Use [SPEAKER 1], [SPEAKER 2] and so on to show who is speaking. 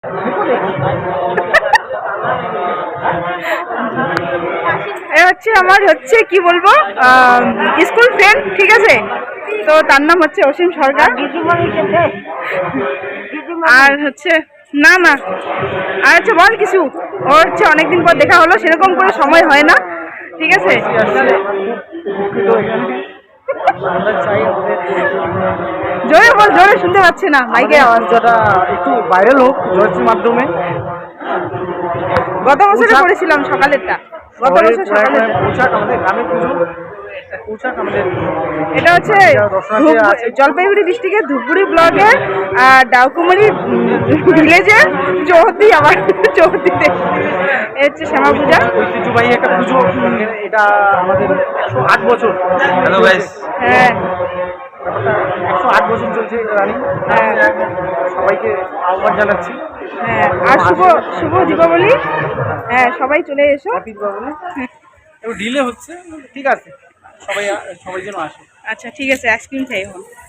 [SPEAKER 1] হচ্ছে আমার হচ্ছে কি বলবো স্কুল ফ্রেন্ড, ঠিক আছে, তো তার নাম হচ্ছে অসীম সরকার। আর হচ্ছে না না আর হচ্ছে বল কিছু, ওর হচ্ছে অনেকদিন পর দেখা হলো, সেরকম করে সময় হয় না, ঠিক আছে। জোরে বল, জোরে শুনতে পাচ্ছে না, মাইকে আওয়াজ
[SPEAKER 2] একটু ভাইরাল হোক জয়শ্রীর মাধ্যমে।
[SPEAKER 1] গত বছরে করেছিলাম সকালেরটা, গত বছর সকালেরটা।
[SPEAKER 2] আমাদের গ্রামে পুজো
[SPEAKER 1] এটা হচ্ছে জলপাইগুড়ি ডিস্ট্রিক্টের ধূপগুড়ি ব্লকের ডাউকুমারি ভিলেজের চৌহদ্দি, আবার চৌহদ্দিতে হচ্ছে শ্যামা পূজা,
[SPEAKER 2] ঐতিহ্যবাহী একটা পুজো। এটা আমাদের 108 বছর।
[SPEAKER 1] হ্যাঁ
[SPEAKER 2] 108 বছর চলছে রানী। সবাইকে আহ্বান জানাচ্ছি।
[SPEAKER 1] হ্যাঁ, আর শুভ দীপাবলি। হ্যাঁ, সবাই চলে এসো।
[SPEAKER 2] হ্যাপি দীপাবলি। একটু ডিলে হচ্ছে, ঠিক আছে, সবাই যেন আসে।
[SPEAKER 1] আচ্ছা ঠিক আছে, আইসক্রিম খাই এখন।